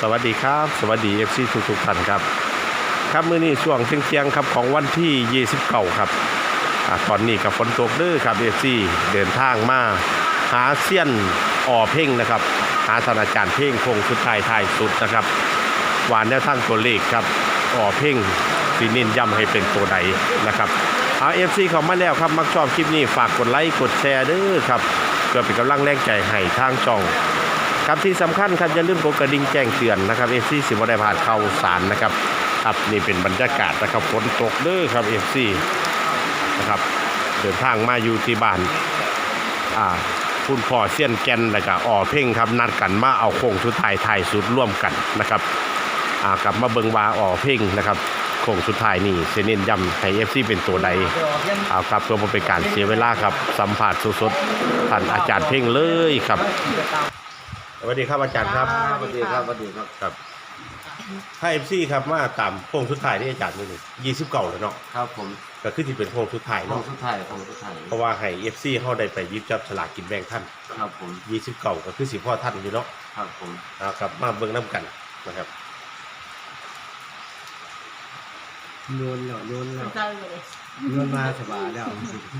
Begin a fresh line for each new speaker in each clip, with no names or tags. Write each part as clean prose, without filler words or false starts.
สวัสดีครับสวัสดี FC ทุกท่านครับครับมื้อนี้ช่วงเที่ยงครับของวันที่29ครับตอนนี้กับฝนตกเด้อครับ FC เดินทางมาหาเซียนอ่อเพ่งนะครับหาศาสตราจารย์เพ่งคงสุดท้ายสุดนะครับวานแนวทางตัวเลขครับอ่อเพ่งสีเน้นย้ำให้เป็นตัวใดนะครับFC เข้ามาแล้วครับมักชอบคลิปนี้ฝากกดไลค์กดแชร์เด้อครับเพื่อเป็นกำลังแรงใจให้ทางช่องครับที่สำคัญครับอย่าลืมกดกระดิ่งแจ้งเตือนนะครับ FC สิบ่ได้พลาดข่าวสารนะครับครับนี่เป็นบรรยากาศนะครับฝนตกเด้อครับ FC นะครับเดินทางมาอยู่ที่บ้านคุณพ่อเซียนแกนแล้วก็อ่อเพ่งครับนัดกันมาเอาโค้งสุดท้ายถ่ายสุดร่วมกันนะครับกลับมาเบิ่งว่าอ่อเพ่งนะครับโค้งสุดท้ายนี่เซเน้นย้ำให้ FC เป็นตัวใดครับเพื่อบ่เป็นการเสียเวลาครับสัมภาษณ์สดๆท่านอาจารย์เพ่งเลยครับสวัสดีครับอาจารย์ครับ
สวัสดีครับสวัสดีครับ
ครับถ้า FC ครับมาตามโค้งสุดท้ายที่อาจารย์นี่29แล้วเนาะ
ครับผม
ก็คือที่เป็นโค้งสุดท้าย
ขอ
เนาะ
งสุดท้าย
เพราะว่าให้ FC เฮาได้ไปหยิบจับฉลากกินแบ่งท่าน
ครับผม
29ก็คือสิพ่อท่านอยู่เนาะ
ครับผม
ครับมาเบิ่งนํกันนะครับ
โยนมาสบายแล้ว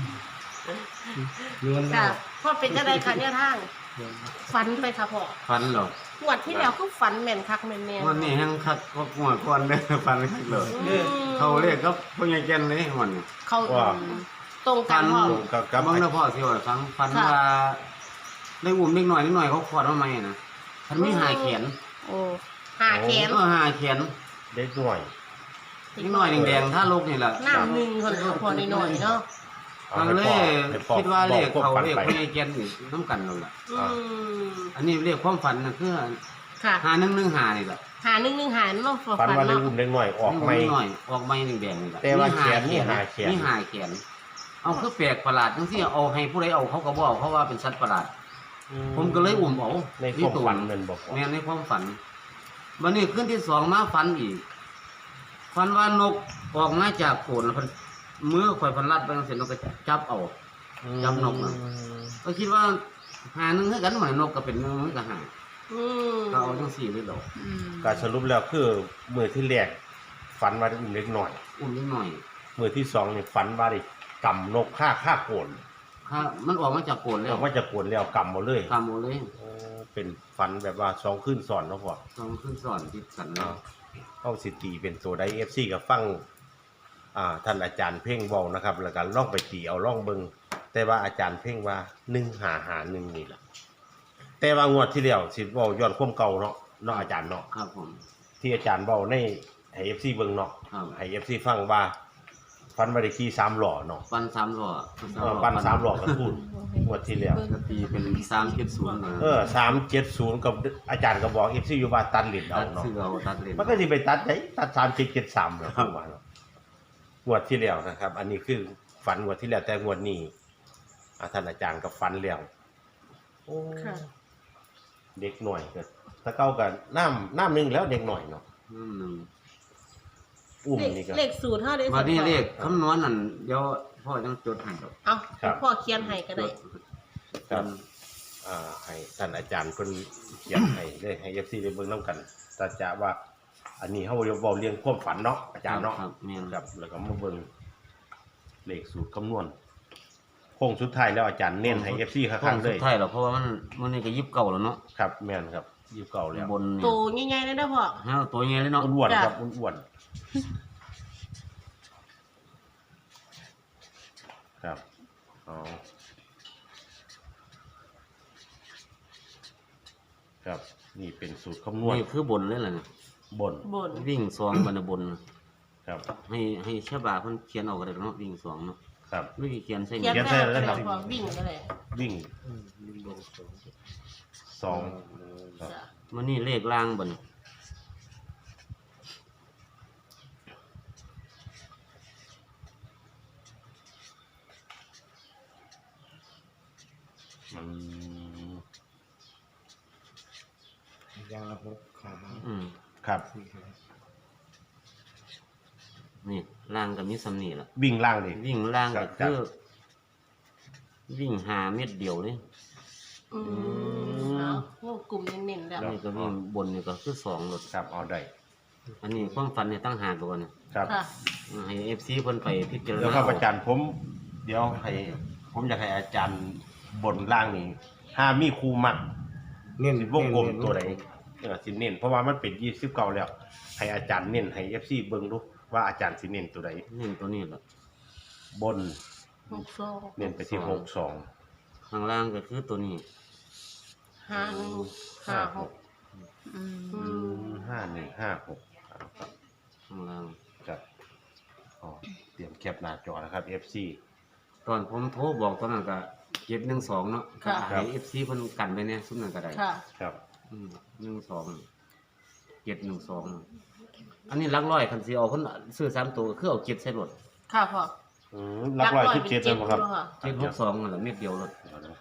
โยนแล้
ค่ะ
ว
พ่อเป็นจะได้ค่ะเนี่ยทางฝันไปค่ะพ่อ
ฟันเหรอ
หวดที่แล้วก็ฝันแม่นคักแม่นแม่น
วันนี้แห้งคักก็หัวก้อนเลยฟันคักเลยเขาเรียกครับพวกยังแกนเลยมัน
เขาตรงกันพ่อ
กับ
บางนะพ่อที่ว่าฟันว่าได้อุ่มนิดหน่อยเขาขวดมาใหม่นะมันไม่หาเขียน
โอ้หาแขน
หาเขียน
เด็กหน่อย
นิดหน่อยแดงๆถ้าลูกนี่แหละ
น้ำหนึ่งคนเอาพอหน่อยๆเนาะ
ฟังเลยคิดว่าเรียกเขาเรียกพวกยังแกนนี่น้ำกันเราละอันนี้เรียกความฝันนะคือ
ค่ะ
หา115นี่แหละ
หาหนึ่งหาเนาะ
ฝันว่าเด็ก
เนาะ
อุ้มเด็กหน่อยออกไม่
หน่อยออกไม่แดงๆนี่แหละ
แต่ว่าแขนนี่หาแขน
นี่หาแขนเอาคือแปลกประหลาดทั้งที่เอาให้ผู้ใดเอาเขาก็บอกเขาว่าเป็นสัตว์ประหลาดผมก็เลยอุ่มเอา
ในความฝันนั่นบอก
แม่ในความฝันวันนี้ขึ้นที่2มาฝันอีกฝันว่านกออกมาจากโขนแล้วมือข่อยพันรัดไปเสร็จนกก็จับเอาจับนกนะก็คิดว่าหาหนึ่งให้กันเหมือนนกก็เป็นมือก็หาก็เอาทั้ง4เลยดอก
การสรุปแล้วคือมือที่แรกฝันว่าได้อุ้มเด็กหน่อย
อุ่นนิดหน่อย
มือที่2นี่ฝันว่าได้กำนกฆ่าโกน
ถ้ามันออกมาจากโขนแล้
อ
ว
อกมาจากโกนแล้วกำหมดเลย
ทำหมดเลย
เป็นฝันแบบว่า2คืนซ้อนเนาะพ่อ
ต้องขึ้นสอนติดกันแล้ว
เข้าสิตีเป็นตัวใด FC กับฟังท่านอาจารย์เพ่งเว้านะครับแล้วก็ลองไปตีเอาลองเบิ่งแต่ว่าอาจารย์เพ่งว่า1551นี่ล่ะแต่ว่างวดที่แล้วสิเว้าย้อนความเก่าเนาะอาจารย์เนาะ
ครับผม
ที่อาจารย์เว้าในให้ FC เบิ่งเนาะ
ครับ
ให้ FC ฟังว่าฟันบ่ได้ขี่3ล้อเนาะ
ปัน3ล้อ
ปัน3ล้อกับทุนงวดที่แล้ว
ก็ตีเป็น370นะ
370กับอาจารย์ก็บอก FC อยู่ว่าตัดลิ้นเอา
ตัด
เนาะ
ซื้อเอาตัดเลน
มันก็สิไปตัดได้ตัด3773แล้วผมว่าเนาะงวดที่แล้วนะครับ อันนี้คือฝันงวดที่แล้วแต่งวดนี้ท่านอาจารย์ก็ฝันแล้วโอ้
ค่ะ
เด็กหน่อยก็ถ้าเก่าก็น้ำนึงแล้วเด็กหน่อยเนาะ
นึง
อุ้มนี่ก็
เลขสูตรเท่าได้
วันนี้เลขคำนวณนั่นเดี๋ยวพ่อต้องจดให้ครับ
เอาพ่อเขียนให้ก็ได้
ครับให้ท่านอาจารย์เพิ่นเขียนให้ได้ให้ FC ได้เบิ่งนํกันแต่จะว่า อันนี้เฮาเว้าเรื่องความฝันเนาะอาจารย์เนาะ
ครับแม่น
ครับแล้วก็มาเบิ่งเลขสูตรคำนวณโค้งสุดท้ายแล้วอาจารย์เน้นให้ FC ข้างๆเล
สุ
ย
ดท้ายแล้วเพราะว่ามันนี่ก็29แล้วเนาะ
ครับแม่นครับ29แล้ว
บนนี่
ตัวง่ายๆเลยนะพ่อ
ฮะตัวใหญ่เลยเนาะ
อ้วนๆ
จ้ะ
ครับอ้วนๆครับอ๋อครับนี่เป็นสูตรคำนวณ
นี่คือบนเลยล่ะเนี่ย
บน
บน
วิ่ง2บันบน
ครับ
ให้ชาวบ้านเพิ่นเขียนเอาก็ได้เนาะวิ่ง2เนาะ
ครับ
วิธีเขียนใส่
เขียน
นี่
ได้แล้วก็พ่อวิ่งก็ได้
วิ่ง
วิ่งลงสอง
2ครับ
จ้ะ
มันนี่เลขล่างบน
อืม
ยางระบบขามา
ครับ
นี่ล่างก็มีสำนีล่ะ
วิ่งล่างดิ
วิ่งล่างก็
ครั
คื
บ
อวิ่ง5 เม็ดเดียวเลย
อืมเอาวงกลุ่มเน้นๆแล้ว
อันนี้ก็วิ่งบนนี่ก็คือสองรถ
ครับเอาได้
อันนี้ความฝันเนี่ยตั้งหากก่อนนะครับ
ค่ะ
ให้ FC เพิ่นไปพิจาร
เดี๋ยว
ณา
ครับอาจารย์ผมเดี๋ยวให้ผมอยากให้อาจารย์บนล่างนี่ถ้ามีครูมัก
เน้น
สิวงกลมตัวไหนสิเน้นเพราะว่ามันเป็น29แล้วให้อาจารย์เน้นให้ FC เบิ่งดูว่าอาจารย์สิเน้นตัวใด
นี่ตัวนี้ล่ะ
บน
62
เน้นไปที่62
ข้างล่างก็คือตัวนี้
51 56อืม
5156
ข้างล่าง
ครับอ๋อเตรียมแคปหน้าจอนะครับ FC
ตอนผมโทรบอกตอนนั้นก็712เนาะ
ค่ะ
ให้ FC เพิ่นกันไปเนี่ยซุมนั้นก็ได้
ค่ะ
ครับ
712อันนี้หลักร้อยคันสิเอาเพิ่นซื้อ3ตัวก็คือเอา7ใส่รถ
ค่ะพ่อ
หลักร้อย17แล้วบ่ครับ
762นั่นแหละเม็ดเดียวรถ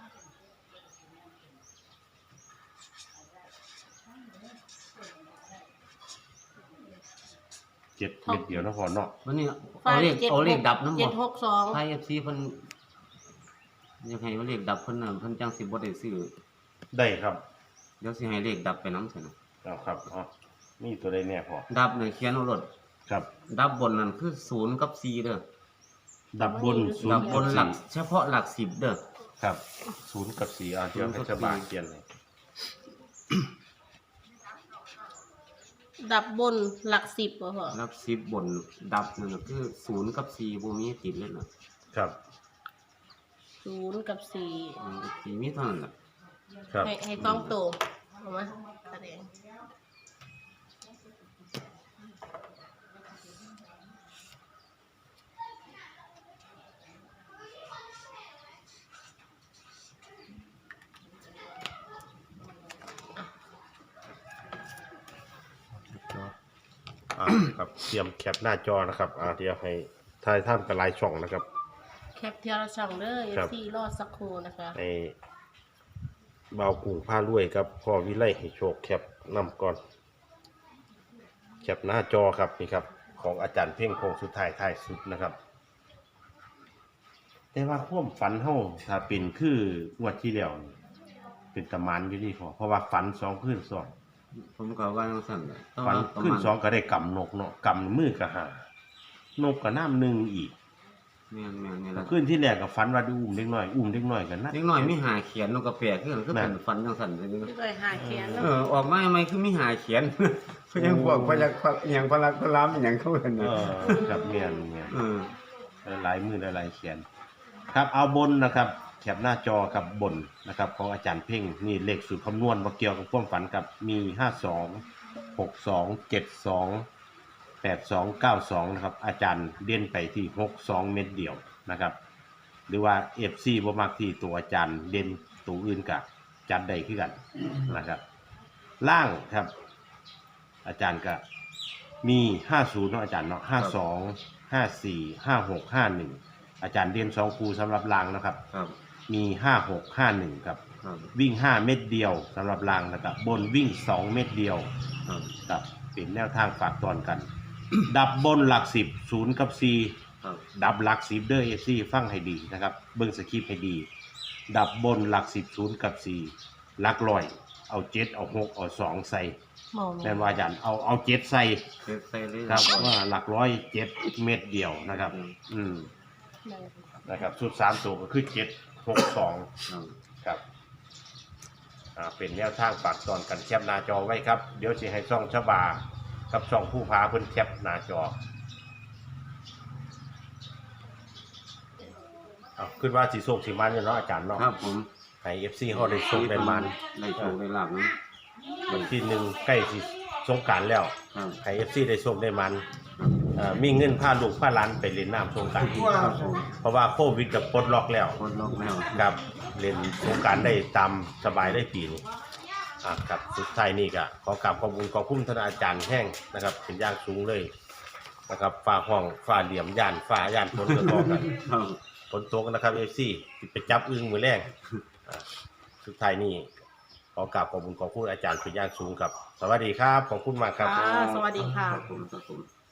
7เม็ดเดียวนะพอเนาะ
วันนี้เอาเลขดับนำบ่
762
ให้ FC เพิ่นอยากให้ว่าเลขดับเพิ่นน่ะเพิ่นจังสิบ่ได้ซื้อ
ได้ครับ
เดี๋ยวสิให้เลขดับไปนำซั่นน่ะ
เอาครับอ๋อมีตัวใดแน่พอ
ดับเนี่ยเขียนเอารถ
ครับ
ดับบนนั่นคือ0กับ4เด้อ
ดับบน
ดับบนหลักเฉพาะหลัก10เด้อ
ครับ0กับ4เดี๋ยวให้ชาวบ้านเขียนเลย
ดับบนหลัก10บ่พ่อ
หลัก10บนดับนั่นน่ะคือ0กับ4บ่มีติดเลยน่ะ
ครับ
0กับ4
4มีเท่านั้นน่ะ
ครับ
ให้ต้องโตเอามาแสดง
ครับเตรียมแคปหน้าจอนะครับเดี๋ยวให้ทายท่านกับไลน์ช่องนะครับ
แคปเทียร์ช่องเด้อ
ครับ
FC รอดสักครู่นะคะ
ให้เบากุ้งผ้ารวยครับพ่อวิไลให้โชคแคปนำก่อนแคปหน้าจอครับนี่ครับของอาจารย์เพ่งโคงสุดท้ายท้ายสุดนะครับ แต่ว่าความฝันเฮาถ้าเป็นคืองวดที่แล้วนี่เป็นตะมันอยู่นี่พอเพราะว่าฝัน2คืนซ้อน
ผมก็ว่าจังซั่นแหละแต่
ฝัน
ว่าประ
คืน
มาณ
2ก็ได้กำนกเนาะกำมือก็หานกก็น้ำหนึงอีก
แม่นๆนี่แหละ
คืนที่แรกก็ฝันว่าได้อุ้มเด็กน้อยกันนะ
เด็กน้อยมีหาเขียนนกกระแปลกคือกันคือเป็นฟันจังซั่นเลย
ด้วยหาเขียนแล้ว
ออกมาใหม่คือมีหาเขียน
เพิ่นยังบอกว่าอยากอย่างพลักพลามอหย่างเขาเห็น
เอ
น่ะ
อครับเมียน
เออ
หลายมือหลายเขียน ครับเอาบนนะครับแคปหน้าจอกับบนนะครับของอาจารย์เพ่งนี่เลขสูตรคำนวณว่าเกี่ยวกับความฝันกับมี52 62 72 82 92นะครับอาจารย์เด่นไปที่62เม็ดเดียวนะครับหรือว่า FC บ่มักที่ตัวอาจารย์เด่นตัวอื่นกับจัดได้คือกันนะครับล่างครับอาจารย์ก็มี50เนาะอาจารย์เนาะ52 54 56 51อาจารย์เด่น2คู่สำหรับล่างนะครับ
ครับ
มี56 51ครับ
ครับ
วิ่ง5เม็ดเดียวสำหรับล่างนะครับบนวิ่ง2เม็ดเดียว
ครับ
ครับเป็นแนวทางฝากตอนกัน ดับบนหลัก10 0กับ4
ครับ
ดับหลัก10เด้อ FC ฟังให้ดีนะครับเบิ่งสคริปต์ให้ดี ดับบนหลัก10 0กับ4หลักร้อยเอา7เอา6เอา2ใส่
มอง
แม่นว่าอาจารย์เอา7ใส่
เฮ็ดใส่เลย
ครับว่าหลักร้อย7เม็ดเดียวนะครับนะครับสุด3ตัวก็คือ7 6 2
ครับ
ครับเป็นแนวทางฝากตอนกันแคปหน้าจอไว้ครับเดี๋ยวสิให้ช่องชบากับช่องผู้พาเพิ่นแคปหน้าจอขึ้นว่าสิโชคสิมันเนาะอาจารย์เนาะ
ครับผม
ให้ FC เฮาได้โชคได้มัน
ได้โชคได้ลาบนะ
วันที่1ใกล้สิสงกรานต์แล้ว
ครับ
ให้ FC ได้โชคได้มันมีเงินพาลูกพาหลานไปเล่นน้ำสงกรานต์
ครับผม
เพราะว่าโควิดก็ปลดล็อกแล้ว
คนโลกแล้ว
ครับเล่นสงกรานต์ได้ตามสบายได้ปีนี้ครับสุดท้ายนี่ก็ขอกราบขอบคุณท่านอาจารย์แห้งนะครับเป็นอย่างสูงเลยนะครับฟ้าห้องฟ้าเหลี่ยมย่านฟ้าย่านฝนก็ต่อกัน
ครับ
ฝนตกนะครับ FC สิไปจับอึ้งมือแรงสุดท้ายนี่ขอกราบขอบคุณอาจารย์เป็นอย่างสูงครับสวัสดีครับขอบคุณมากครับ
ค่ะสวัสดีค่ะ
ครับผม